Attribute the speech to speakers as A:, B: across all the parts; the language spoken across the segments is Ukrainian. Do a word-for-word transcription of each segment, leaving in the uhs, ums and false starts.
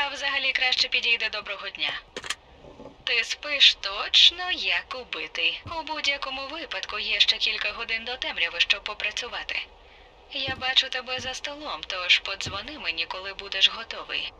A: взагалі краще підійде доброго дня. Ти спиш точно як убитий. У будь-якому випадку є ще кілька годин до темряви, щоб попрацювати. Я бачу тебе за столом, тож подзвони мені, коли будеш готовий.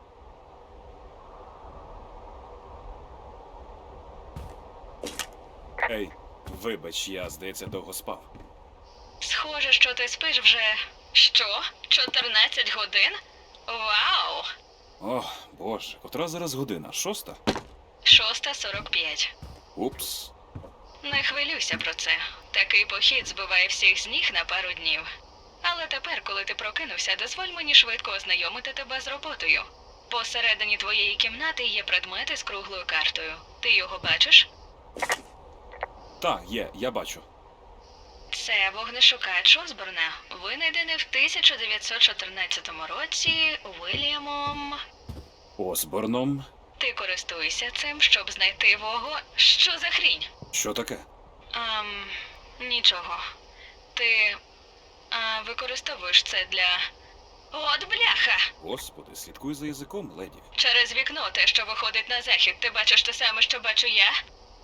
B: Ей, вибач, я, здається, довго спав.
A: Схоже, що ти спиш вже... Що? чотирнадцять годин? Вау!
B: О, боже, котра зараз година? Шоста?
A: шоста сорок п'ять.
B: Упс.
A: Не хвилюйся про це. Такий похід збиває всіх з ніг на пару днів. Але тепер, коли ти прокинувся, дозволь мені швидко ознайомити тебе з роботою. Посередині твоєї кімнати є предмети з круглою картою. Ти його бачиш?
B: Так, є, я бачу.
A: Це вогнешукач Осборна, винайдений в тисяча дев'ятсот чотирнадцятому році Уільямом...
B: Осборном?
A: Ти користуєшся цим, щоб знайти вого... Що за хрінь?
B: Що таке?
A: Ам... Нічого. Ти... А, використовуєш це для... От бляха!
B: Господи, слідкуй за язиком, леді.
A: Через вікно те, що виходить на захід, ти бачиш те саме, що бачу я?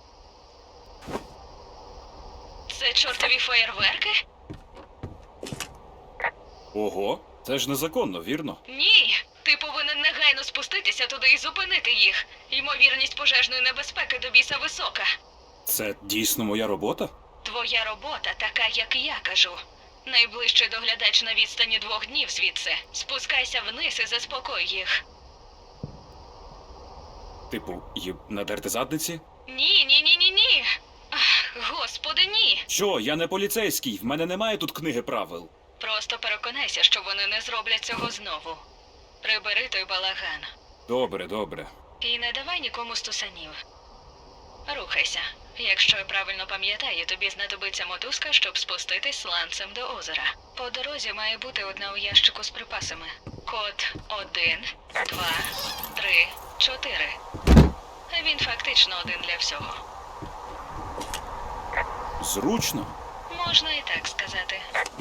A: Це чортові феєрверки?
B: Ого, це ж незаконно, вірно?
A: Ні! Ти повинен негайно спуститися туди і зупинити їх. Ймовірність пожежної небезпеки до біса висока.
B: Це дійсно моя робота?
A: Твоя робота така, як я кажу. Найближчий доглядач на відстані двох днів звідси. Спускайся вниз і заспокой їх.
B: Типу, їм надерти задниці?
A: Ні, ні, ні, ні, ні. Ах, Господи, ні.
B: Що, я не поліцейський, в мене немає тут книги правил.
A: Просто переконайся, що вони не зроблять цього знову. Прибери той балаган.
B: Добре, добре.
A: І не давай нікому стусанів. Рухайся. Якщо я правильно пам'ятаю, тобі знадобиться мотузка, щоб спуститись сланцем до озера. По дорозі має бути одна у ящику з припасами. Код один, два, три, чотири. Він фактично один для всього.
B: Зручно.
A: Можна і так сказати.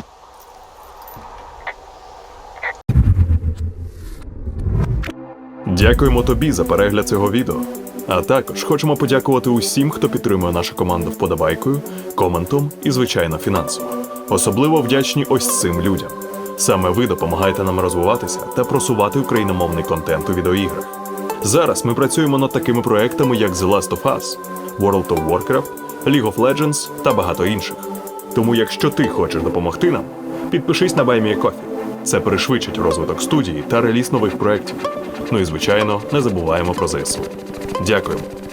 C: Дякуємо тобі за перегляд цього відео. А також хочемо подякувати усім, хто підтримує нашу команду вподобайкою, коментом і, звичайно, фінансово. Особливо вдячні ось цим людям. Саме ви допомагаєте нам розвиватися та просувати україномовний контент у відеоіграх. Зараз ми працюємо над такими проектами, як The Last of Us, World of Warcraft, League of Legends та багато інших. Тому якщо ти хочеш допомогти нам, підпишись на Buy Me a Coffee. Це пришвидшить розвиток студії та реліз нових проєктів. Ну і, звичайно, не забуваємо про ЗСУ. Дякуємо.